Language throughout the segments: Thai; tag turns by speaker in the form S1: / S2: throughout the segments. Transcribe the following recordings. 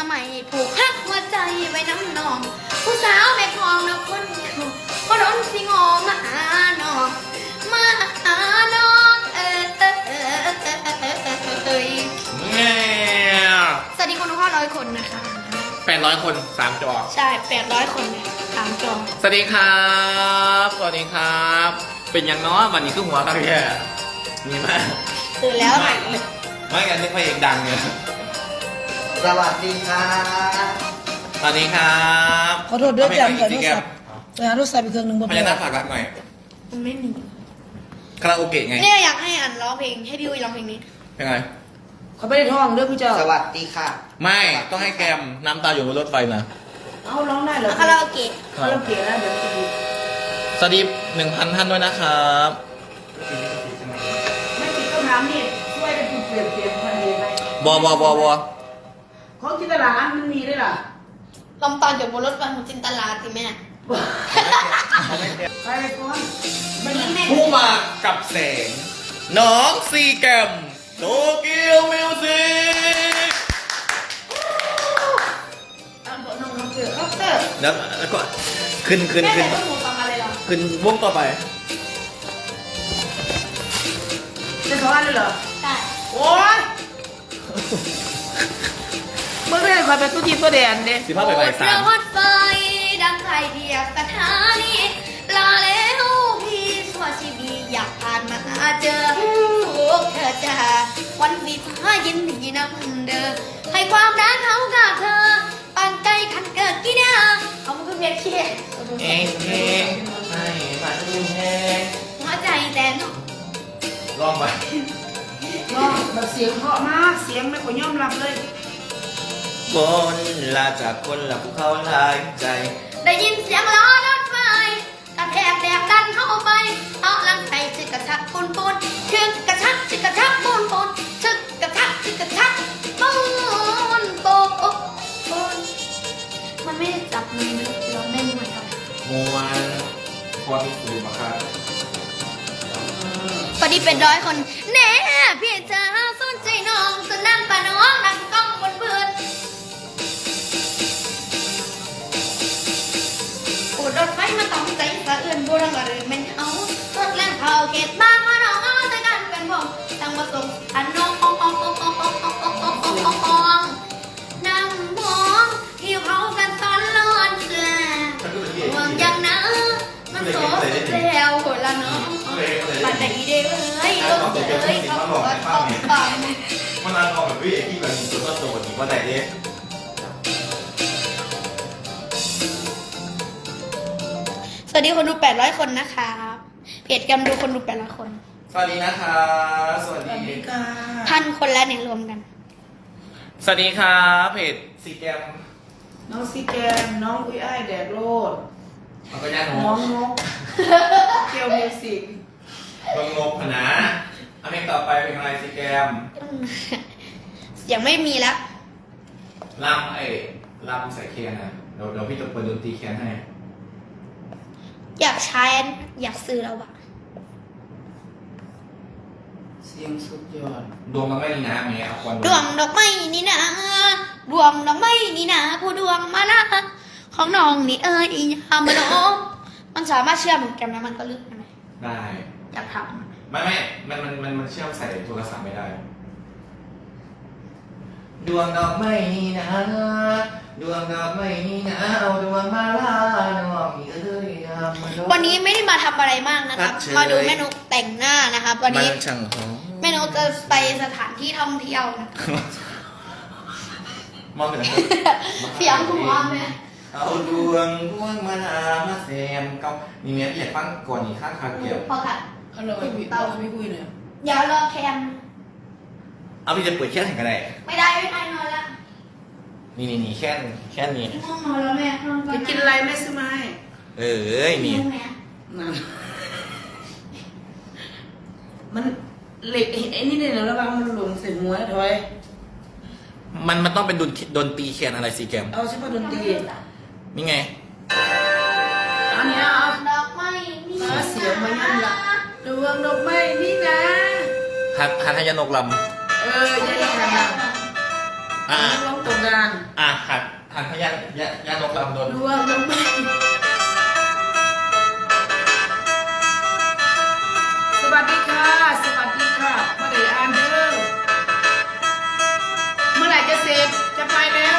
S1: ใหม่ผูกพักหัวใจไว้น้ำนองผู้สาวแม่คลองนับคนเดียวก็ร้อนสิงอมาหาน้องมาหาน้องสวัสดีคนทุกท่าน100 คนนะคะ
S2: 800 คน3 จอ
S1: ใช่800 คนเนี่ย3 จอ
S2: สวัสดีครับสวัสดีครับ เป็นยังเนาะวันนี้คือหัวครับพี่มีมาก
S1: ตื่นแล้ว
S2: ไม่กันนี่พระเอกดังเนี่ย
S3: สวัสดีครับ
S2: สวัสดีครับ
S4: ขอโทษด้วยจำกับโทรศัพท์ไปหาโทรศัพท์อีกเครื่องหนึงบ่
S2: พญานาคฝากรักหน่อย
S1: มันไม่มี
S2: คาราโอเกะไง
S1: เนี่ยอยากให้อันร้องเพลงให้พี่อุ้ยร้องเพลงนี้
S2: เป็นไง
S4: เขาไม่ได้ท่องเด้อพี่เจ้า
S3: สวัสดีค่ะ
S2: ไม่ต้องให้แกมน้ำตาอยู่บนรถไฟนะ
S4: เอาร้องได้เหรอ
S1: คาราโอเกะ
S4: คาราโอเกะนะเดี๋ยวจะดู
S2: สวัสดี 1,000 ท่านด้วยนะครับ
S4: ไม่ติดต้องถามนี่ช่วยกันเปลี่ยนพันเองไหม
S2: บอ
S4: ของจินตลามันมีด้วยล่ะ
S1: ลำตอนอยู่บนรถไฟของจินตลาสิแม่
S4: ใครไปก่อน
S1: วันนี้แม่
S2: ผู้มากับแสง น้องซีแกมโตเกียวมิวสิก
S4: ตามตัวน้องเสือครับเสือ
S2: แล้วก็ขึ้น
S1: แม่แต่ต้องหนูฟังอะไรหรอ
S2: ขึ้นวงต่อไป
S4: จะสอนเลยเหรอ
S1: ใช่
S4: โอ๊ยเมื่อไหร่คอยไปตู้ทีตัวแดนเด้
S2: 15 ไปสาม
S1: รถไฟดังใครเดียบสถานีลาแล้วพี่ชั่วชีวีอยากผ่านมาเจอทุกเธอจ้าวันสีฟ้ายินดีนำเดินให้ความรักเขากับเธอปานใจขันเกิดกี่นาเขามันคือเพียรเชีย
S2: เองให้ฝันแห้ง
S1: หัวใจแต่น
S2: ลองไป
S4: น้องแบบเสียงเพราะมากเสียงไม่ขอยอมรับเลย
S2: บนลาจากคนละภูเขาหลายใจ
S1: ได้ยินเสียงล้อรถไฟกระแทกแดกดันเข้าไปเอาลังไส้ชึกกระชักปูนปูนชึกกระชักชึกกระชักปูนปูนชึกกระชักชึกกระชักปูนปูนมันไม่ได้จับมือเราเล่นเหมือนกัน
S2: มวนพอที่สูมาครับ
S1: พอดีเป็น100 คนแน่พี่จะสนใจน้องจะนั่งปะน้องนั่งกล้องบนเบือนปูดรถไฟมาต้องใจสะเอื้อนบูรังกระรือเป็นเอารถแล่นเข้าเขตบ้านมาน้องเอาแต่กันเป็นผมตั้งมาส่งอันน้องนั่งมองที่เขากันตอนร้อนแลห่วงยังนะมันโสดแล้วคนละน้องปันได้เด้อลงเลยเขาบอกต้องฟัง
S2: มันนานออกแบบวิเอกที่แบบมีตัวตัวนี้ว่าไหนเด้
S1: สวัสดีคนดู800 คนนะคะเพจกำดูคนดู800 คน
S2: สวัสดีนะคะสวัส
S4: สวัส
S2: ดี
S4: ดีค่ะ
S1: 1,000 คนแล้วเนี่ยรวมกัน
S2: สวัสดีครับเพจซีแกม
S4: น้องซีแกมน้องอุ้ยอ้ายแดดโรด
S2: มันก็ย่าโน
S4: น้องนกเกียวมิวสิก
S2: ลงงบนะเอาเพลงต่อไปเป็นอะไรซีแกม
S1: เสียงไม่มีแล้ว
S2: ลำใส่เคียนนะเดี๋ยวพี่จะเปิดดนตรีเคียนให้
S1: อยากใช้อยากซื้อแล้วอะ
S4: เสียงสุดยอด
S2: ดวงมันไม่ดีนะเมียเอาควัน
S1: ดวงดอกไม้นี่นะดวงดอกไม้นี่นะผู้ดวงมาละของน้องนี่เอ้ยยามมาโนมันสามารถเชื่อมกันแล้วมันก็ลึกได้ไหม
S2: ได้
S1: อยากท
S2: ไม่มันเชื่อมใส่โทรศัพท์ไม่ได้ ดวงดอกไม้นี่นะดวงดอกไม้นี่นะเอาดวงมาลาน้องเอ้ยยามมาโน
S1: ำวันนี้ไม่ได้มาทำอะไรมากนะครับ
S2: ครับเชิญ
S1: มาดูแม่นุกแต่งหน้านะครับวันนี้
S2: มันช่างหอม
S1: แม่นุกจะไปสถานที่ท่องเที่ยวนะ
S2: มองไปไหน
S1: เสียงหัวแม่
S2: เอาดวงมาลามาแซมเกามีเมียพี่อยากฟังก่อนอีกข้างคาเกี่ยว
S1: พอค่ะ
S4: เอาเลยพี่คุยหน่อย
S1: เดี๋ยวรอแคม
S2: เอาพี่จะเปิดแค่ไหนกันได้
S1: ไม่ได้นอนแล้ว
S2: นี่แค่นี้
S1: ง่วงนอนแล้วแม่นอนก่อน
S4: จะกินอะไรแม่ซื้อมาให้
S2: เอ้ยนี่
S1: หิวแม่
S4: นั่นมันเหล็กไอ้นี่เนี่ยระวังมันหลงใส่หัวถอย
S2: มันต้องเป็นดนตรีแคนอะไรซีแกม
S4: เอาเฉพาะดนตรี
S2: นี่ไง
S4: อันเนี้ยเอา
S1: ดอกไม้นี่
S4: เสียงมันยังละดวงดอกไม้นี่นะ
S2: ฮัทยานกล
S4: เออยังไงนะ
S2: ำ
S4: ร้องตกงาน
S2: หันพยัญญานกลำดวน
S4: ดวงน้องไม่สวัสดีค่ะ สวัสดีค่ะมาได้อ่านเด้อเมื่อไหร่จะเสร็จจะไปแล้ว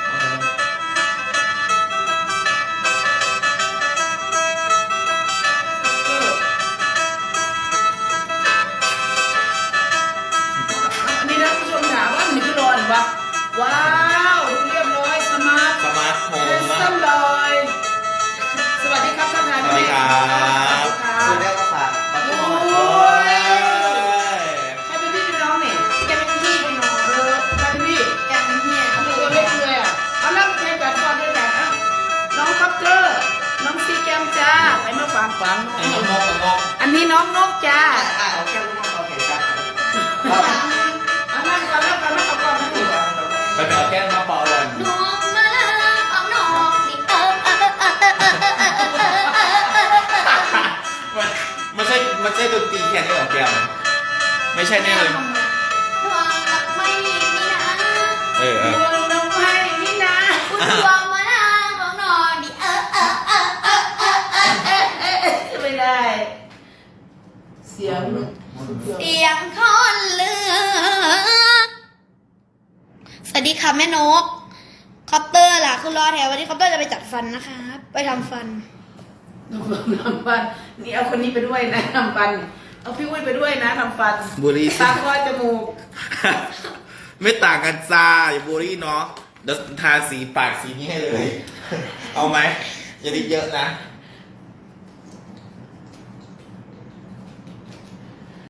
S4: อันนี้นะผู้ชมถามว่ามันคือร้อนปะว้าวดูเรียบร้อยสมาร์ท
S2: สมาร์ทโฮ
S4: เฮ
S2: ม
S4: ส
S2: มา
S4: ตั
S2: ก
S4: นเลยสวัสดีครับท่านนาย
S2: สวัสดีครับ
S3: ซื้อได้ก็ฝากปัด
S4: โอ้
S3: ตัว
S2: โอ้
S4: ย
S2: ย
S4: ใครเป็นพี่เป็นน้องเนี่ย
S1: แกเป็นพี่เป็นน้อง
S4: ใครเป็นพี่
S1: แกเป็นพี่
S4: ทำไมตัวเล็กเลยอ่ะเอาล่ะใครกัดฟอนด้วยกันอ่ะน้องคอปเตอร์น้องซีแกมจ้าไปมาฝากฝัง
S2: ไอ้น้องนกน้อง
S4: อันนี้น้องนกจ้า
S3: เอาแค่ลูกมาต่อแขนกัน
S4: เอานั่งก่อนแล้วกันไม่เอาก่อนนะพี่
S2: ไปเอาแก้มมาเป่าเลย
S1: ดวงมาลาของนอกนี่
S2: มันใช่ดนตรีแค่นี้หรอแก้มไม่ใช่แน่เลย
S1: ดวงกับไม่นี่นะ
S2: เออ
S4: ดวงน้องไม้นี่นะ
S1: ดวงมาลาของนอกนี่
S4: ไม่ได้เสียง
S1: เสียงคอนเลือสวัสดีค่ะแม่นกคอปเตอร์ล่ะคือรอแถววันนี้คอปเตอร์จะไปจัดฟันนะคะไปทำฟัน
S4: น้ำฟันนี่เอาคนนี้ไปด้วยนะทำฟันเอาพี่อุ้ยไปด้วยนะทำฟัน
S2: บุรี
S4: ตาคอยจมูก
S2: ไม่ต่างกันจ้าอย่าบุรีเนาะเดี๋ยวทาสีปากสีนี้ให้เลย เอาไหมอย่าดิเยอะนะ
S1: ด